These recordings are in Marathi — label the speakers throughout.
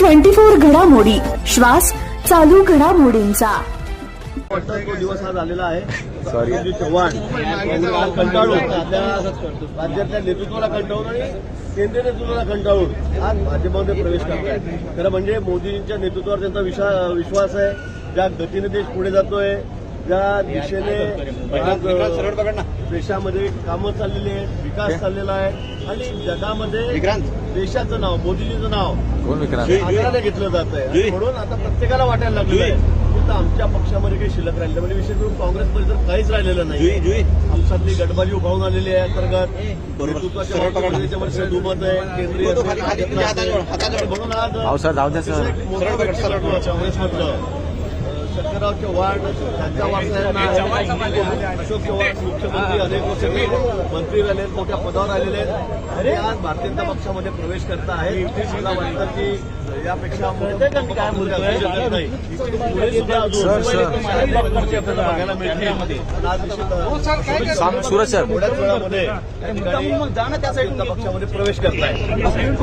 Speaker 1: 24 घडामोडी, श्वास चालू घडामोडींचा.
Speaker 2: तो दिवस हा झालेला आहे. संजय चव्हाण कंटाळून राज्यातल्या नेतृत्वाला कंटाळून आणि केंद्रीय नेतृत्वाला कंटाळून आज भाजपमध्ये प्रवेश करतात. खरं म्हणजे मोदींच्या नेतृत्वावर त्यांचा विश्वास आहे. ज्या गतीने देश पुढे जातोय, ज्या दिशेने देशामध्ये कामं चाललेली आहेत, विकास चाललेला आहे आणि जगामध्ये देशाचं नाव, मोदीजींचं नाव आदराने घेतलं जात आहे. म्हणून आता प्रत्येकाला वाटायला लागलेलं आहे की आमच्या पक्षामध्ये काही शिल्लक राहिलं म्हणजे विशेष करून काँग्रेसमध्ये तर काहीच राहिलेलं नाही. आमच्यातली गटबाजी उभारून आलेली आहे. अंतर्गत नेतृत्वाच्या दुमत आहे, केंद्रीय म्हणून आज काँग्रेसमधलं शंकरराव चव्हाण, त्यांच्या वारसाहेबांना अशोक चव्हाण मुख्यमंत्री, अनेक वर्ष मंत्री राहिले, मोठ्या पदावर आलेले आहेत आणि आज भारतीय जनता पक्षामध्ये प्रवेश करत आहेत. मला वाटतं की यापेक्षा काय मुद्दा असू शकत नाही. पुढे सुद्धा आपल्याला बघायला मिळते. थोड्याच वेळामध्ये भारतीय जनता पक्षामध्ये प्रवेश करत आहे.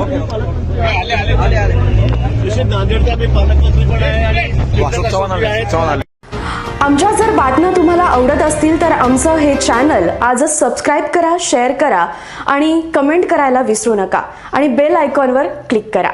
Speaker 2: नांदेडचा मी पालकमंत्री पण आहे आणि
Speaker 1: आमच्या जर बातम्या तुम्हाला आवडत असतील तर आमचं हे चॅनल आजच सबस्क्राईब करा, शेअर करा आणि कमेंट करायला विसरू नका आणि बेल आयकॉनवर क्लिक करा.